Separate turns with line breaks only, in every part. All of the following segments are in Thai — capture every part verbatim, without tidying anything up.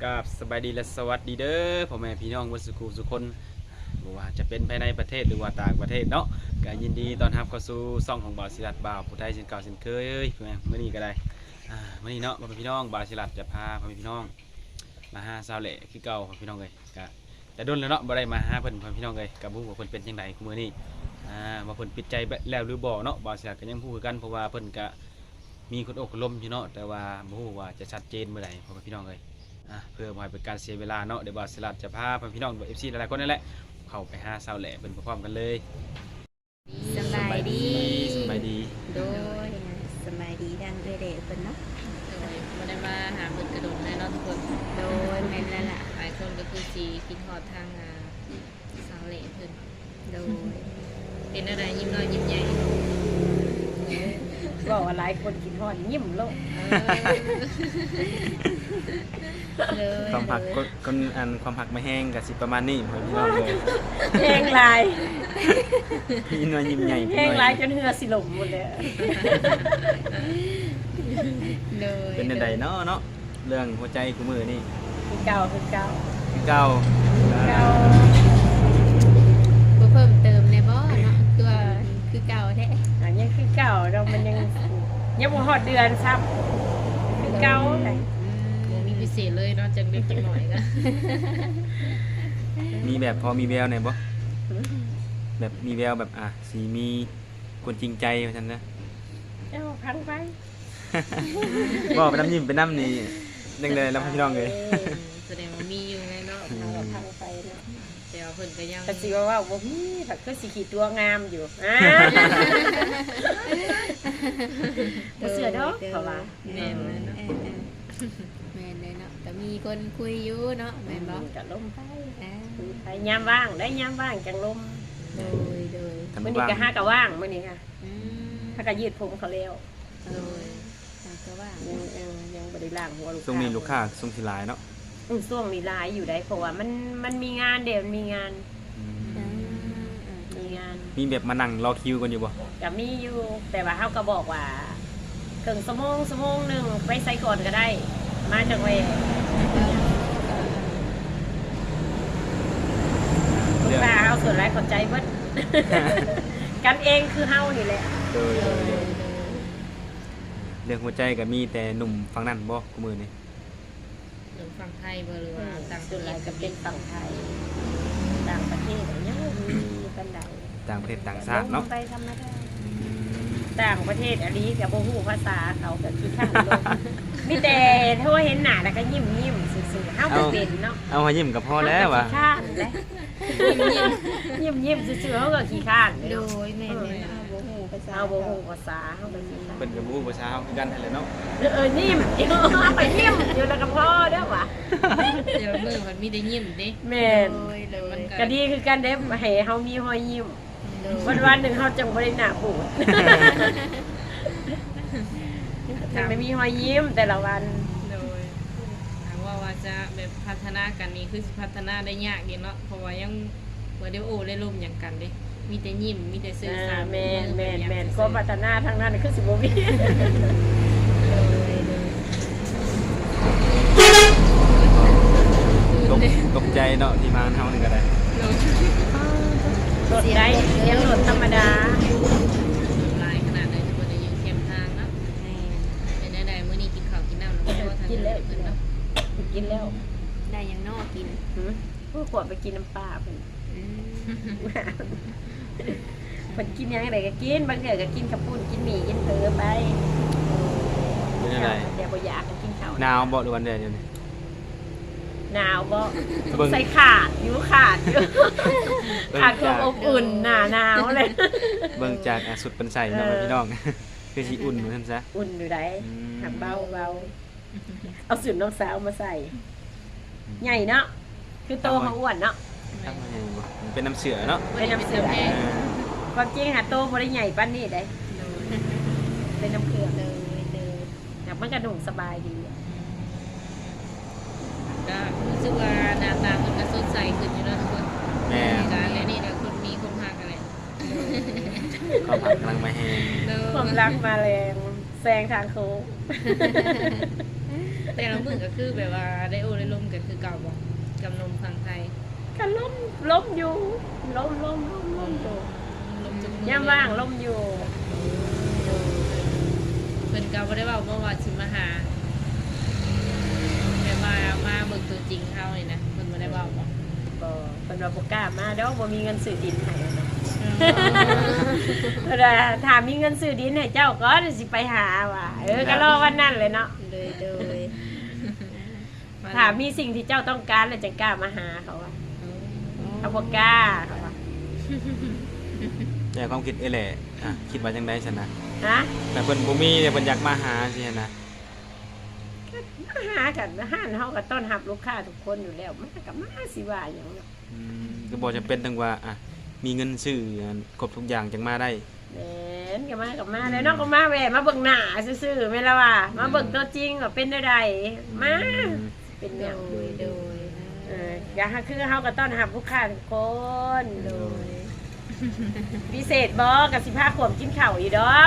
กับสบายดีและสวัสดีเด้อพ่อแม่พี่น้องวัดสุขุสุคนบ่ว่าจะเป็นภายในประเทศหรือว่าต่างประเทศเนาะก็ยินดีต้อนรับเข้าสู่ช่องของบ่าวศิลัดบ่าวผู้ไทยเช่นเก่าเช่นเคยเอ้ยพ่อแม่มื้อนี้ก็ได้อ่ามื้อนี้เนาะพ่อแม่พี่น้องบ่าวศิลัดจะพาพ่อแม่พี่น้องมาหาสาวเหล่คือเก่าพ่อพี่น้องเอ้ยก็แต่ดนแล้วเนาะบ่ได้มาหาเพิ่นพ่อพี่น้องเอ้ยก็บ่ฮู้ว่าเพิ่นเป็นจังไดคุมื้อนี้อ่าว่าเพิ่นปิดใจแล้วหรือบ่เนาะบ่าวศิลัดก็ยังบ่ฮู้คือกันเพราะว่าเพิ่นก็มีคนอกคนล้มอยู่เนาะแต่ว่าบ่ฮู้ว่าจะชัดเจนเมื่อใดพ่อแม่พี่น้องเอ้ย เพื่อบ่ให้เป็นการเสียเวลาเนาะเดี๋ยวบอสลัดจะพาพี่น้องเอฟซีหลายๆคนนั่นแหละเข้าไปหาสาวแหล่เป็นพร้อมกันเลย
สบายดี
สบายดี
โดยสบายดีดังเรื่อยๆเพิ่นเนาะ
โดยบ่ได้มาหาเพิ่นกระโดดแน่นอนทุกคน
โดยแม่นแล้วล่ะ
หลายคนก็คือสิคิดฮอดทางอ่าสาวเหล่เพิ่น
โดย
เป็นอะไรยิ้มน้อยยิ้มใหญ่
บอกว่าหลายคนกินฮอดยิ้มโลก
ความผักก้นอันความผักไม่แห้งกับสิประมาณนี้พี่น้องเลย
แห้งลาย
พี่น้อยยิ้มใหญ่
แห้งลายจนเหือสิหลงหมดเลย
เป็นใดเนาะเนาะเรื่องหัวใจกูมือนี่
คือเก่าคือเก่า
คือเก่า
เก่า
บ่เพิ่มเติมในบ่เนาะคือว่าคือเก่าแท้
อันยังคือเก่าเรามันยังยังบ่ฮอดเดือนซ้ำคือเก่าได้
มีพิเศษเลยเนาะจังเล็กจังหน่อยก็
มีแบบพอมีแววไหนบ่แบบมีแววแบบอ่ะสีมีคนจริงใจว่าซั่นนะ
เอ้าพังไป
บ่ไปน้ำยิ้มไปน้ำนี่จังเลยแล้วพี่น้องเลย
แสดงว่ามีอยู่ไงเนาะ
เราพังไปเนาะ
แต่ว่าเพิ่นก็ยัง
ก็สิว่าว่าบ่มีถ้าคือสิขี้ตัวงามอยู่อ่าบ่เชื่อดอกเพราะว่า
แม่นเนาะแม่นเลยเนาะแต่มีคนคุยอยู่เนาะแม่นบ่
จะล้มไปไปยามว่างได้ยามว่างจังลม
โดยโดย
มื้อนี้ก็หาก็ว่างมื้อนี้ค่ะถ้าก็ยืดผมเขาแล้ว
โดยก็ว่าง
ยังยังบ่ได้ล้างหัวลูกค้า
ช่วงนี้ลูกค้าช่วงสิหลายเนาะ
อือช่วงนี้หลายอยู่ได้เพราะว่ามันมันมีงานเดี๋ยวมีงานมีงาน
มีแบบมานั่งรอคิวกันอยู่บ่
ก็มีอยู่แต่ว่าเฮาก็บอกว่าครึ่งชั่วโมงชั่วโมงนึงไปใส่ก่อนก็ได้มาจังเว้ยลูกค้าเฮาส่วนหลายเข้าใจเบิดกันเองคือเฮานี่แหละ
เรื่องหัวใจก็มีแต่หนุ่มฝั่งนั้นบ่กูมือนี่
หนุ่มฝั่งไทยบ่หรือว่าต่าง
ส่วนหลายก็เป็นฝั่งไทยต่างประเทศยังมีกันได้
ต่างประเทศต่างชาติเนาะ
ไปธรรมดาต่างประเทศอันนี้ก็บ่ฮู้ภาษาเขาก็คือข้างลงมีแต่โทรเห็นหน้าแล้วก็ยิ้มๆซื่อๆเฮาบ่เป็นเนาะ
เอาให้ยิ้มก็พอแล้วว่ะ
ขี้ข้านแหละยิ้มๆซื่อๆเฮาก็ขี้ข้าน
โดยแม่นเลยบ่ฮู้ภาษา
เฮาบ่ฮู้ภาษาเฮาก็สิ
เพิ่นก็บ่ฮู้ภาษาเฮาคือกันนั่นแหละเนาะ
เออยิ้มเอาไปยิ้มอยู่แล้วก็พอเด้อว่ะ
เดี๋ยวมื้อมันมีได้ยิ้มเด้
แม่นก็ดีคือกันเด้ให้เฮามีรอยยิ้มวันๆนึงเฮาจังบ่ได้หน้าบูดจังไม่มีรอยยิ้มแต่ละวัน
โดยถามว่าว่าจะแบบพัฒนากันนี่คือสิพัฒนาได้ยากเด้เนาะเพราะว่ายังบ่ได้โอ้ได้ร่มหยังกันเด้มีแต่ยิ้มมีแต่สื่อสาร
แม่นแม่นแม่นก็พัฒนาทางนั้นคือสิบ่มี
ตกตกใจเนาะที่มาเฮานี่ก็ได้
รถได้ยังรถธรรมดา
หลายขนาดเลยทุกคนได้ยังเข้มทางเนาะเป็นได้ได้มื้อนี้กินข้าวกินน้ำแล้วก็ทาน
กินแล้วกินแล้วกินแล้ว
ได้ยังนอกกิน
พวกขวดไปกินน้ำปลาเพิ่นเพิ่นกินยังไงก็กินบางเทื่อก็กินข้าวปุ้นกินหมี่กินเผลอไป
เป็นจังได๋
แต่บ่อยากกินข้าว
หนาวบ่หรือวันใดเดี๋ยวนี้
หนาวบ่ใส่ขาดอยู่ขาดอยู่ขาดความอบอุ่นหน้าหนาวเลย
เบิ่งจากสุดเป็นใส่เนาะพี่น้องคือสิอุ่นเหมือนกันซะ
อุ่นอยู่ได้หักเบาเบาเอาสูตรน้องสาวมาใส่ใหญ่เนาะคือโตเขาอ้วนเนาะ
เป็นน้ำเสือเนาะ
เป็นน้ำเสือความจริงหาโตบ่ได้ใหญ่ปานนี้ได้เป็นน้ำเกลือเลยเลยแต่มันกระดูกสบายดี
ก็รู้สึกว่าหน้าตามันก็สดใสขึ้นอยู่แล้วทุกคน
แม่
และนี่นะคนมีคนหักอะไร
ความหักกำลังมาแห้ง
ความรักมาแรงแซงทางโค้ง
แต่ละมื้อก็คือแบบว่าได้โอได้ลมกันคือเก่าบ่กับนมฝั่งไทย
ก็ล้มล้มอยู่ล้มล้มล้มล้มอยู่
ลมจุกมื
ย่ามว่างล้มอยู่
เพิ่นก็บ่ได้เว้าบ่ว่าสิมาหาแต่มามาเบิ่งตัวจริงเฮานี่นะเพิ่นบ่ได้เว้าบ่
บ่เพิ่นว่าบ่กล้ามาเด้อบ่มีเงินซื้อดินให้เนาะเพิ่นว่าถ้ามีเงินซื้อดินให้เจ้าก็สิไปหาว่าเออก็รอวันนั้นเลยเนาะ
เลยโดย
ถ้ามีสิ่งที่เจ้าต้องการแล้วจะกล้ามาหาเขาว่าเขาบ่กล้าเขาว่า
แต่ความคิดเอ้แหละอ่ะคิดว่าจังได๋ซั่นนะ
ฮะ
แต่เพิ่นบ่มีเนี่ยเพิ่นอยากมาหาสินะ
มาหากันห้านเฮาก็ต้อนรับลูกค้าทุกคนอยู่แล้วมาก็มาสิว่าหยังเนาะ
อืมก็บ่จำเป็นต้องว่าอ่ะมีเงินซื้อครบทุกอย่างจังมาได้
แม่นก็มาก็มาแล้วเนาะก็มาแหวะมาเบิ่งหน้าซื่อๆแม่นละว่ามาเบิ่งตัวจริงว่าเป็นได้ใดมาเป็นหยัง
โดยโดย
เอออย่าหาคือเฮาก็ต้อนรับลูกค้าทุกคน
โดย
พิเศษบ่กับสิพาขวมกินข้าวอยู่ดอก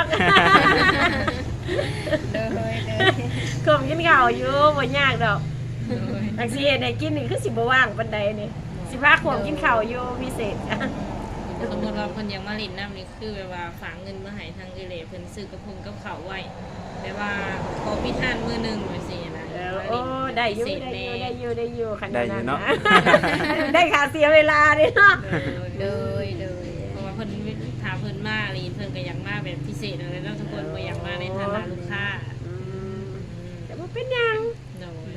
โดยโดย
ขวมกินข้าวอยู่บ่ยากดอก
โดย
จักสิเฮ็ดให้กินนี่คือสิบ่ว่างปานใดนี่สิพาขวมกินข้าวอยู่พิเศษ
สมมุติว่าเพิ่นอยากมาเล่นน้ำนี่คือแบบว่าฝากเงินมาให้ทางเอเลเพิ่นซื้อกระพงกับข้าวไว้แต่ว่าขอพิธานมื้อหนึงว่าซี่นะ
เออโอ้ได้อยู่
พิเศษ
ได้อ
แน่
ยู่ได้อยู่ได้อยู่ขนา
ได้
ด
อยู่
นั้น
เนาะ
นะ ได้ค่าเสียเวลาดิเนาะ
โด
โด
ย
ยโดย
เพราะว่าเพิ่นถามเพิ่นมาลีเพิ่นก็อยากมาแบบพิเศษอะไรเนาะทุกคนบ่อยากมาในฐานะลูกค้า
อืมแต่ว่าเป็นหยัง
โดย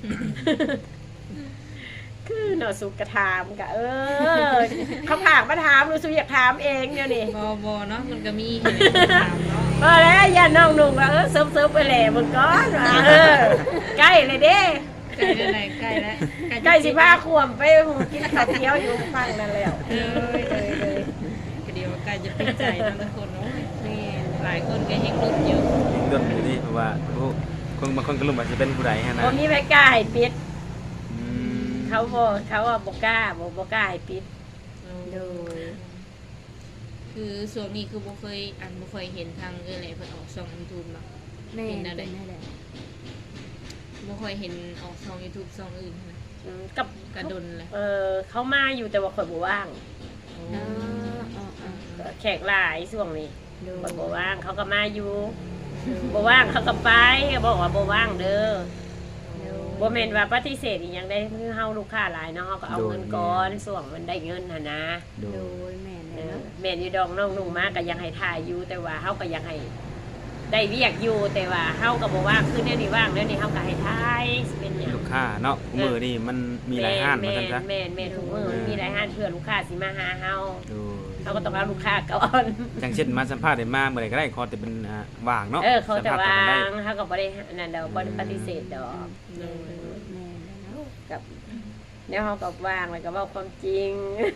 คือเนาะสุกกระถามกะเออเขาผากมาถามหนูสุอยากถามเองเดี๋ยวนี้
บ่บ่เนาะมันก็มีให้ถามเนาะ
พอแล้วอย่าน้องหนุ่มว่าเออเซิฟเซิฟไปแหล่มึงก้อนว่าเออใกล้เลยเด้
ใกล้แล้วไหนใกล้แล้ว
ใกล้สิพาขวมไปหูกินข้าวเที่ยวอยู่ฟังนั่นแล้ว
เออเลยเลยก็เดี๋ยวใกล้จะปิดใจเนาะทุกคนเนาะแม่หลายคนก็ยังลุ้นอยู่
ยังดนอยู่นี่เพราะว่าโอ้คนบางคนก็รู้ว่าจะเป็นผู้ใดฮะนะ
บ่มีใครกล้าให้ปิด
อืม
เขาบอกเขาว่าบ่กล้าบ่บ่กล้าให้ปิด
โดย
คือส่วนนี้คือบ่เคยอันบ่เคยเห็นทางเออไหนเพิ่นออกช่อง YouTube เนาะ
แม่เป็นนั่นแหละ
บ่เคยเห็นออกช่อง YouTube ช่องอื่นนะ
อืมกับ
กระดนเลย
เออเขามาอยู่แต่ว่าข่อยบ่ว่าง
โอ้
อ๋ออ๋ออ๋อ
แขกหลายช่วงนี้
โดย
ข่อยบ่ว่างเขาก็มาอยู่บ่ว่างเขาก็ไปก็บอกว่าบ่ว่างเด้อ บ่แม่นว่าปฏิเสธอีหยังได้คือเฮาลูกค้าหลายเนาะเฮาก็เอาเงินก่อนส่วงมันได้เงินหั่นนะ
โด
โด
ย
ยแม่
เอ
เลย
อ
เนาะ
แม่นอยู่ดอกน้องนุ่งมาก็ยังให้ถ่ายอยู่แต่ว่าเฮาก็ยังให้ได้เรียกอยู่แต่ว่าเฮาก็บ่ว่างคือแนวนี้ว่างแล้วนี่เฮาก็ให้ถ่ายสิเป็นหยัง
ลูกค้าเนาะมือนี่มันมีหลายห้านเหมือนกันจ้ะ
แม่นแม่นทุกมื้อมันมีหลายห้านเพื่อลูกค้าสิมาหาเฮา
โดย
เฮาก็ต้องเอาลูกค้าก่อน
อย่างเช่นมาสัมภาษณ์ได้มาเมื่อไหร่ก็ได้ขอแต่เป็นอ่าว่างเนาะ
เออเขาจะ
สัมภ
ว่า
ษณ์กันได้
งเฮาก็บ่ได้นั่นดอกบ่ได้ปฏิเสธดอก
โดย
แม่เลยเนาะ
กับเดี๋ยวเฮาก็ว่างแล้วก็เว้าความจริง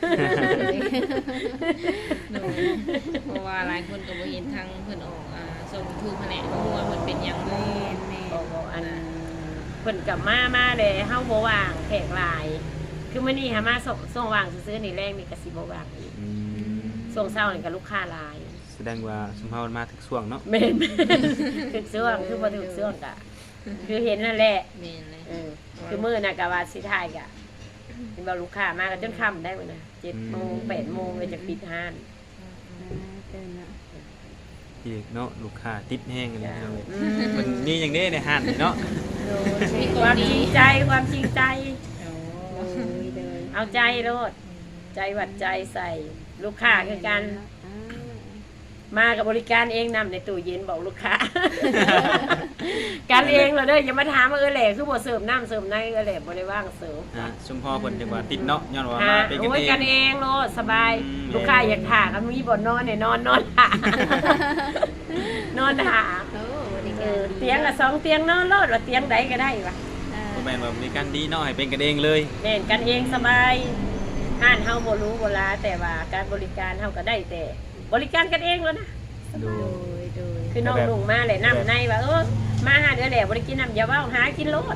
โดยเพราะว่าหลายคนก็บ่เห็นทางเพิ่นออกอ่าช่อง YouTube แผนกของว่าเพิ่นเป็นหยังบ่
แม่แม่
บอกว่าอันเพิ่นกลับมามาเลยเฮาบ่ว่างแขกหลาย คือมื้อนี้หามาส่งส่งว่างซื้อๆนี่แรงนี่ก็สิบ่ว่างอีก
อืม
ส่งเช้านี่ก็ลูกค้าหลาย
แสดงว่าสมภาพมาถึงช่วงเนาะ
แม่นถึกช่วงคือบ่ถึกช่วงก็คือเห็นนั่นแหละ
แม่นเลย
เออคือมื้อน่ะก็ว่าสิถ่ายก็เห็นบ่ลูกค้ามาก็จนค่ำได้มื้อน่ะเจ็ดโมงแปดโมงก็จะปิดห้าน
เดินเนาะ
อีกเนาะลูกค้าติดแห้งกันเลย
อื
มันมีอย่างนี้ในห้านนี่เนาะ
มี
ค
คน
วามจ
ดี
ริงใจความจริงใจ
โอ้
โดยโดย
เอาใจโลดใจหวัดใจใส่ลูกค้าคือกัน
อ่า
มากับบริการเองนำในตู้เย็นบอกลูกค้า การเองเราเด้ออย่ามาถามว่าเออแหล่คือบ่เสิร์ฟน้ำเสิร์ฟในเออแหล่บ่ได้ว่างเสิร์ฟ
อ่าสมพอเพิ่นจังว่าติดเนาะย้อนว่า
ฮะ
มาเป็นกัน
โอ้ย
เอง
กันเองโลดสบาย
อืม
ลูกค้าอยากถ่าก็มีบ่นอนเนี่ยนอนนอนถ่า นอนถ่า
โอ้ดี
เอ
กัน
อเตียงละสองเตียงนอนโลดว่าเตียงใดก็ได้วะ
บ่แม่นว่าบริการดีเนาะให้เป็นกันเองเลย
แม่นกันเองสบายห้านเฮาบ่รู้บ่ลาแต่ว่าการบริการเฮาก็ได้แต่ บริการกันเองแล้วนะ
ดู
โดยโดย
คือน้องลุงมาเลยน้ำในว่าเออมาหาเดือแหล่บริกินน้ำอย่าว่าหากินโลด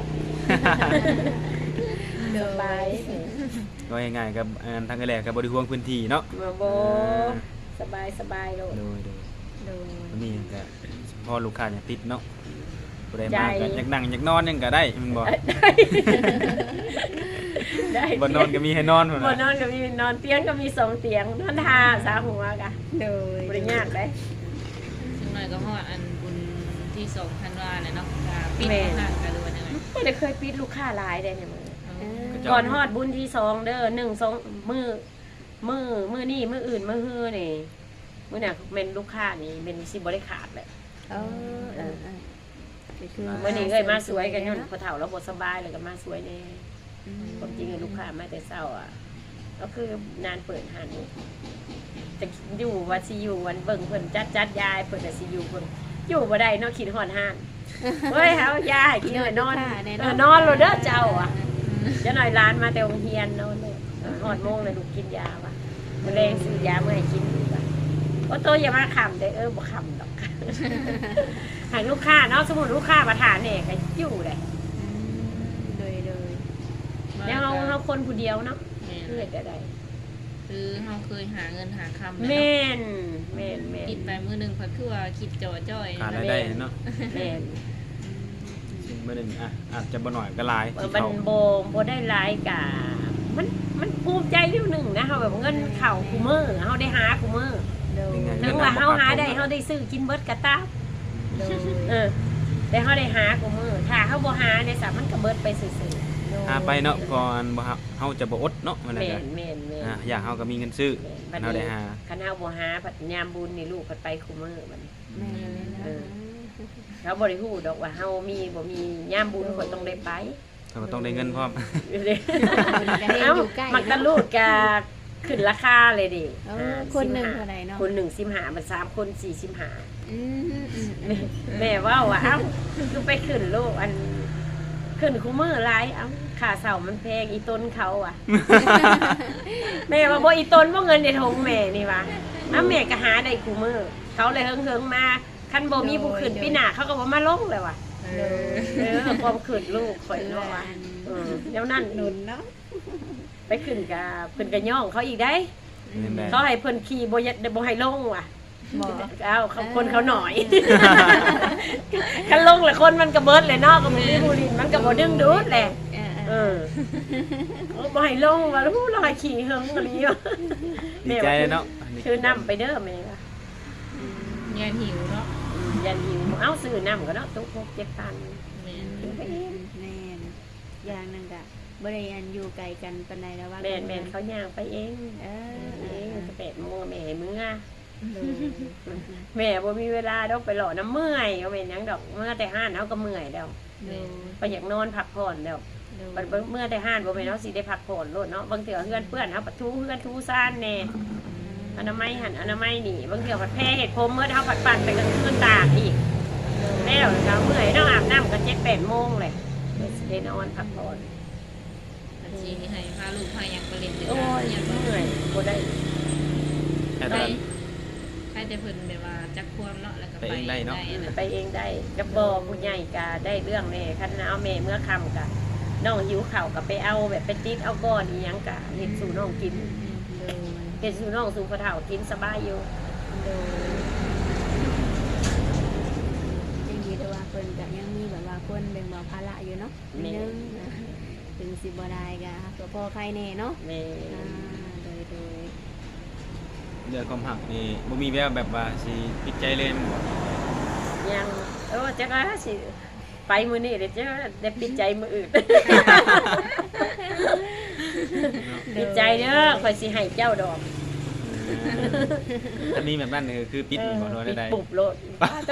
สบาย
ก็ง่ายๆกับอ่าทางกันแหละกับบริห่วงพื้นที่เนาะ
มาโบสบายสบายโลด
โดยโดย
โดย
วันนี้ก็พอลูกค้าเนี่ยติดเนาะปผู้ใดมาก็อยากนั่งอยากนอนยังก็ได้แมันบ่
ได้
บ่นอนก็มีให้นอนพุ่น
บ่
น่ะ
นอนก็มีนอนเตียงก็มีสองเตียงนอนทาสามหัวกะ
โดย
บ่ได้ยากได้
จังหน่อยก็ฮอดอันบุญที่สองธันวาเนี่ยเนาะก็ปิด
แม่
ห้างกันหรือว่าจังไง
บ่ได้เคยปิดลูกค้าหลายได้เนี่ยมึง
เออ
ก่อนฮอดบุญที่สองเด้อหนึ่งสองมือมือมือนี่มืออื่นมือฮื้อนี่มื้อน่ะแม่นลูกค้านี่เป็นสิบ่ได้ขาดเลย
เออเออเออก็คือ
มื้อนี้เอ้ยมาสวยกันย้อนพอเฒ่าแล้วบ่สบายเลยก็มาสวยแน่
อืม
ความจริงอะลูกค้ามาแต่เช้าอ่ะก็คือนานเปิดหันจะอยู่ว่าสิอยู่วันเบิ่งเพิ่นจัดจัดยายเพิ่นน่ะสิอยู่เพิ่นอยู่บ่ได้เนาะคิดฮอดห้านเฮ้ยเฮายายกินแล้วนอนเออนอนโลดเด้อเจ้าอ่ะจะหน่อยร้านมาแต่โรงเรียนนอนเลยเออฮอดโมงเลยลูกกินยาว่ะมื้อแรงซื้อยามาให้กินดีกว่าโอ้โตอย่ามาขำเด้อเออบ่ขำดอก หากลูกค้าเนาะสมมุติลูกค้ามาทานเนี่ยก็อยู่ได้
อืมโดยโดย
แล้วเฮาเฮาคนผู้เดียวเนาะ
แม่น
เพื่อก็ได้
คือเฮาเคยหาเงินหาคำ
แม่นแม่นแม่น
คิดไปมื้อหนึงเพิ่นคือว่าคิดจ่อจ้อย
ขาดรายได้เนาะ
แม่น
ซึ่งมื้อหนึงอ่ะอาจจะบ่น้อยก็หลาย
เออ
ที่
มัน
เขา
โบโบได้หลายกะมันมันภูมิใจเรื่องหนึ่งนะเฮาแบบเงินเข่าคูมือเฮาได้หาคูมือ
โดย
ถึงว่าเฮาหาได้เฮาได้ซื้อกินเบิดกะตา
โดย
เออแต่เฮาได้หาคูมือถ้าเฮาบ่หาเนี่ยสามันก็เบิดไปซื่อ
โดย
หาไปเนาะก่อนบ่ครับเฮาจะบ่อดเนาะมัน
ๆ
น่ะ
แม่
ก็
นแม่นแม่น
อ่ะอยากเฮาก็มีเงินซื้อ
บัด
เฮาได้
นี้
หา
คันเฮาบ่หาผัดยามบุญนี่ลูกผัดไปคูมือบัดนี้
แม่เลยนะ
เออ เขาบ่ได้ฮู้ดอกว่าเฮามีบ่มียามบุญคนต้องได้ไป
เราก็ต้องได้เงินพร้อม
เอ้ามักตะลูดกะขึ้นราคาเลยดิ
เออคนหนึ่งเท่าไหร่เนาะ
คนหนึ่งสิบห้ามันสามคนสี่สิบห้า
อืมอืม
แม่แม่ว่าว่าเอ้าคือไปขึ้นโลกอันขึ้นคูมือหลายเอ้าค่าเสามันแพงอีต้นเขาอ่ะ แม่ว่าบ่อีต้นบ่เงินในทงแม่นี่วะอ้าแม่ก็หาได้คูมือเขาเลยเฮิงๆมาคันบ่มีผู้ขึ้นปีหน้าเขาก็บ่มาลงเลยว่ะ
เออ
เออความขึ้นลูกข่อยเนาะว่ะเออแล้วนั่น
หนุนเนาะ
ไปขึ้นกับเพิ่นก็ย่องเขาอีกได้
เงินได้
เขาให้เพิ่นขี่บ่ยบ่ให้ลงว่ะ
บอก
เอ้าเขาคนเขาหน่อย คันลงแล้วคนมันก็เบิดเลยเนาะก็มีผู้ลินมันก็บ่ดึงดูดแหละ
เออ
เออเออบ่ให้ลงว่าแล้วเราให้ขี่เฮิงกะลีว่ะ
ดีใจเนาะอันนี้
คือน้ำไปเด้อแม่ว่ะ
ยานหิวเนาะ
อืมยันหิวเอ้าซื้อน้ำก็เนาะตุ๊กหกเจ็ดพัน
แม่น
กินไปเอง
แม่นอย่างหนึงกะบริอันอยู่ไกลกันปานใดแล้วว่า
แม่นแม่นเขาย่างไปเอง
เออ
เองจะแปดโมงแม่ให้มื้อ
โดย
แม่บ่มีเวลาดอกไปหล่อน้ำเมื่อยเอาเป็นหยังดอกเมื่อแต่ห้านเฮาก็เมื่อยแล้ว
โดย
ไปอยากนอนพักผ่อนแล้ว
โดย
บัดเมื่อแต่ห้านบ่แม่นเฮาสิได้พักผ่อนโลดเนาะบางเทื่อเฮือนเปื้อนเฮาปัดทูเฮือนทูซ่านแน่อนามัยหันอนามัยนี่บางเทื่อผัดแพ้เฮ็ดผมเมื่อเฮาผัดปั่นไปกลางคืนตากอีกแล้วเช้าเมื่อยเนาะอาบน้ำก็เจ็ดแปดโมงเลยเดี๋ยวสิได้นอนพักผ่อน
อาชีพให้พาลูกพาหยังไปเล่นเด้อ
โอ้ย
ยังบ่
เมื่อยบ่ได้
แต่
ไป
ตอน
ใครแต่เพิ่นแบบว่าจักความเนาะแล้วก็
ไป
ไป
เองได้เนาะ
อะ
ไปเองได้กับบ่ผู้ใหญ่ก็ได้เรื่องแน่คันเอาแม่เมื่อค่ำก็น้องหิวข้าวก็ไปเอาแบบไปติดเอาก้อนอีหยังก็เฮ็ดสู่น้องกิน
โดย
เฮ็ดสู่น้องสู่พ่อเฒ่ากินสบายอยู่
โดยยังดีแต่ว่าเพิ่นก็ยังมีแบบว่าคนแบ่งเบาภาระอยู่เนาะนิดนึงนะถึงสิบ่ได้ก็ก็พอใครแน่เนาะ
แม่
อ่าโดยโดย
เรื่องความหักนี่บ่มีแววแบบว่าสิปิดใจเลยแม่นบ่
ยังเออจักว่าสิไปมื้อนี้เดี๋ยวจะได้ปิดใจมื้ออื่น ปิดใจเด้อข่อยสิให้เจ้าดอก
อันนี้แบบนั้นนี่คือปิดบ่โดน
ปิด
ได้
ปุบโลดป้าโต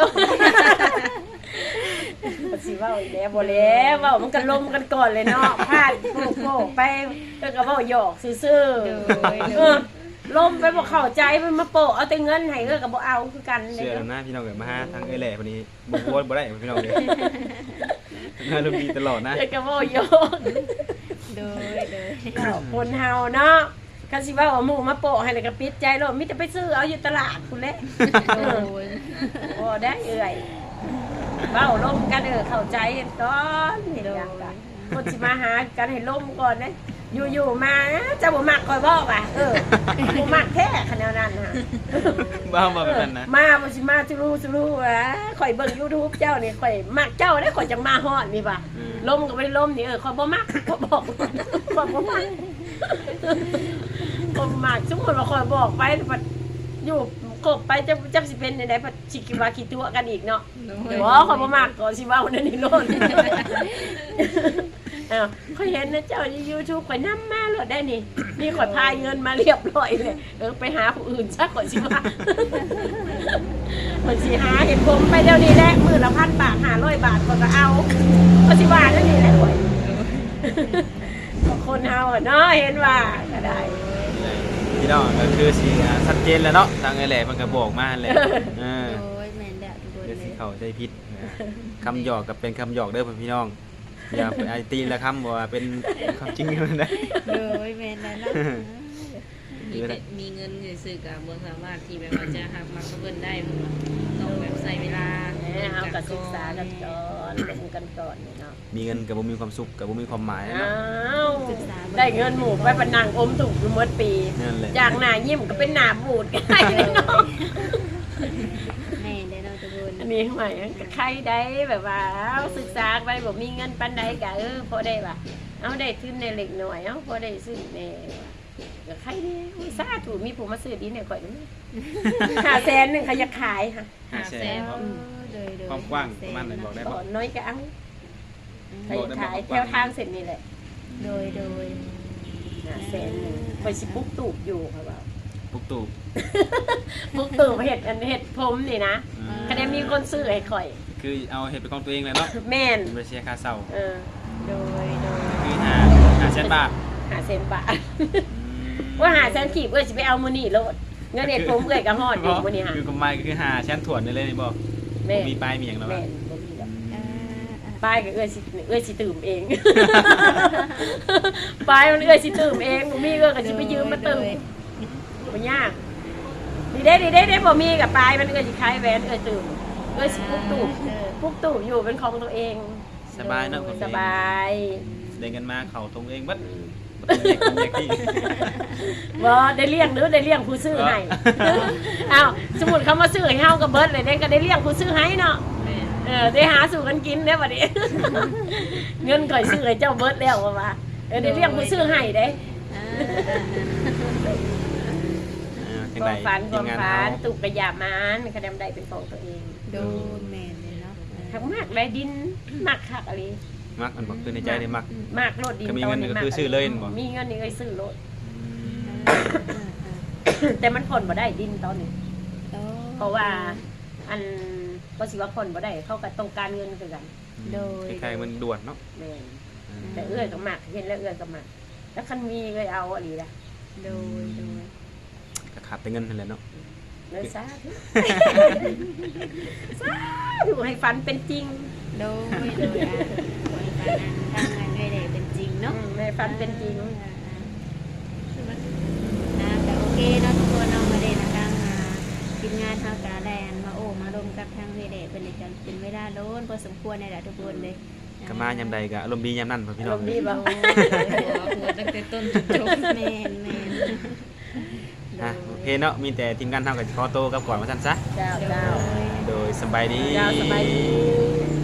มันสิเว้าอีกแล้วบ่แล้วเว้ามันก็ลมกันก่อนเลยเนาะพลาดโป๊กๆไปแล้วก็เว้าหยอกซื่อ
โดย
ๆ
โด
เอย อลมไปบ่เข้าใจมันมาโปะเอาแต่เงินให้เออก็บ่เอาคือกัน
ๆ
เด้
เชื่อ
อ
แล้วนะพี่น้องเกิดมาหาทางเอ้ยแหล่พอดีบ่โวยบ่ได้พี่น้องเลยงานลมดีตลอดนะ
เออก็เว้าหยอก
โดยโดย
คนเฮาเนาะคันสิว่าว่าหมู่มาโปะให้แล้วก็ปิดใจโลดมีแต่ไปซื้อเอาอยู่ตลาดพุ่นแหละ
โดย
บ่ได้เอื่อยเว้าลมกันเออเข้าใจก่อนเห็นหยังกันคนสิมาหากันให้ลมก่อนเด้อยู่ๆมาเจ้าบ่มักข่อยบ่ว่ะเออบ่มักแท้ขนาดนั้นน่ะ
บ้ามาแบบนั้นนะ
มาบ่สิมาจุรู้จุรู้อ่ะข่อยเบิ่ง YouTube เจ้านี่ข่อยมักเจ้าได้ข่อยจังมาฮอดนี่ป่ะล้มก็บ่ได้ล้มนี่เออข่อยบ่มักข่อยบอกข่อยบ่มักข่อยบ่มักสมมุติว่าข่อยบอกไปบัดอยู่กบไปจะจักสิเป็นได้บัดสิคิดว่าคิดตัวกันอีกเนาะบ่ข่อยบ่มักก็สิว่าวันนั้นนี่โลดอ้าวข่อยเห็นนะเจ้าใน YouTube ข่อยนำมาโลดได้นี่นี่ข่อยพายเงินมาเรียบร้อยเลยเออไปหาผู้อื่นซะข่อยสิว่า คนสิหาเห็นผมไปเดี๋ยวนี้แหละมือละพันบาทห้าร้อยบาทก็ก็เอาก็สิว่านั่นนี่แหละข่อยก็คนเฮาอะเนาะเห็นว่าก็ได้
พี่น้องก็คือสิชัดเจนแล้วเนาะทางไอ้แหล่มันก็บอกมาแหละเออ
โอ้ยแม่นแล้วทุกคน
เดี๋ยว
เล
สิ
ย
เข้าใจผิดนะคำหยอกกับเป็นคำหยอกเด้อพี่น้องอย่าไปไอตีละคำว่าเป็นความจริงมันได้
โอ้ยแม่นแล้วเนาะ
มีแต่มีเงินซื้อๆกับบ่สามารถที่แบบว่าจะหักมาเพิ่นได้เพิ่นว่าต้องแบบใส่เวลา
เออเฮาก็ศึกษากันก่อนเล่นกันก่อนนี่เนาะ
มีเงินกับบ่มีความสุขกับบ่มีความหมาย
อ้า
เนาะ
วได้เงินหมู่ไปบันนังอมถูกอยู่หมดปี
นั่นแหละ
จากหน้ายิ้มก็เป็นหน้าบูดก็ได้เลยเนาะ
แม่นได้เนาะทุกคน
อันนี้ใหม่ก็ใครได้แบบว่าเอาศึกษาไปบ่มีเงินปานใดก็เออพอได้ว่าเอาได้ทุนในเล็กน้อยเอาพอได้ซื้อแน่ก็ใครเด้อุ้ยสาธุมีผู้มาซื้อดินให้ข่อยนี่ห้าแสนนึงเขาจะขายค่ะ
ห้าแสน
เออโดยโดย
ความกว้างประมาณไหนบอกได้
บ่
บ่
น้อยก็เอาใคร
บอกได้บ่
ขายแถวทางเสร็จนี่แหละ
โดยโดย
ห้าแสนนึงข่อยสิปลุกตูบอยู่ค่ะว่า
ปุกตู่
ปลุกตูบเฮ็ดอันเฮ็ดผมนี่นะ
อืม
ก็ได้มีคนซื้อให้ข่อย
คือเอาเฮ็ดเป็นของตัวเองเลยเนาะ
แม่น
บ่เสียค่าเช่า
เออ
โดยโดย
คือหาห้าแสนบาท
ห้าแสนบาท
อืม
ว่าหาแสนขีบเอ้ยสิไปเอามื้อนี้โลดเงินเฮ็ดผมเอ้ยก็ฮอดอยู่มื้อนี้ฮะ
คือกำไรคือหาแสนถ่วนได้เลยนี่บ่
แม่
บ่มีปลายมีหยังแล้ว
แม่
ว่ะ
นบ่มีดอก
อ่าอ่า
ป้ายก็เอ้ยสิเอ้ยสิตื่มเอง ป้ายมันเอ้ยสิตื่มเองบ่มีเอ้ยก็สิไปยืมมาตื่มบ่ยากดีเด้ดีเด้เด้บ่มีกับป้ายมันเอ้ยสิขายแหวนเอ้ยตื่มเอ้ยสิปลุกตู่ปลุกตู่อยู่เป็นของตัวเอง
สบายเนาะคน
สบาย
ได้เงินมาเข้าตรงเองบัดบ่ต้องแยกคนแยกที่
บ่ได้เลี้ยงหรือได้เลี้ยงผู้ซื้อให้อ้าวสมมุติเขามาซื้อให้เฮาก็เบิดเลยเด้ก็ได้เลี้ยงผู้ซื้อให้เนาะ
แม่
เออได้หาสู่กันกินได้อบัดนี้ เงินก่อยซื้อให้เจ้าเบิดแล้วว่าว่าเออได้เลี้ยงผู้ซื้อให้เด้
อ่า
อ่าจัง
ค
ได
วามฝันค
ที
วาม
งาน
ฝั
เฮาน
ตุกกระยามันคะแนนใดเป็นของตัวเอง
โดยแม่นเลยเนาะ
ทักมากได้ดินมากคักอะไร
มักมันบอกคือในใจได้มัก
มากโลดดิน
ก็มีเงิน
ต
ก็คือซื้อเลยบ่
มีเงินนี่ก็ซื้อโลด
อ่าอ่าอ่า
แต่มันผ่อนบ่ได้ดินตอนนี้
โอ้
เพราะว่าอันก็สิว่าผ่อนบ่ได้เขาก็ต้องการเงินคือกัน
โดย
คล้ายๆมันด่วนเนาะ
แม่นแต่เอื้อยก็มากเห็นแล้วเอื้อยก็มากแล้วคันมีเลยเอาอะไรล่ะ
โดยโดย
ก็ขาดแต่เงินนั่นแหละเนาะ
เลยสาธุ สาธุให้ฝันเป็นจริง
โดยโดยอ่ะโดยการทำงานด้วยเลยเป็นจริงเนาะ
อืมให้ฝันเป็นจริง
อ่าอ่าแต่โอเคเนาะทุกคนเนาะมาเดนะทางอ่าทีมงานทางการแลนมาโอ้มาลมกับทางเวเดเป็นอีกกันเป็นเวลาโดนพอสมควรในแหละทุกคนเลย
ก็มายามใดก็อารมณ์ดียามนั้นพ่อพี่น้อง
อารมณ์ดีบ่
หัวหัวตั้งแต่ต้นจนจบ
แม่นแม่น
อ่ะโอเคเนาะมีแต่ทีมงานเฮาก็ขอโตวกลับก่อนว่าซั่นซะ
เจ้าเจ้า
โดยสบายดี
เจ้าสบายดี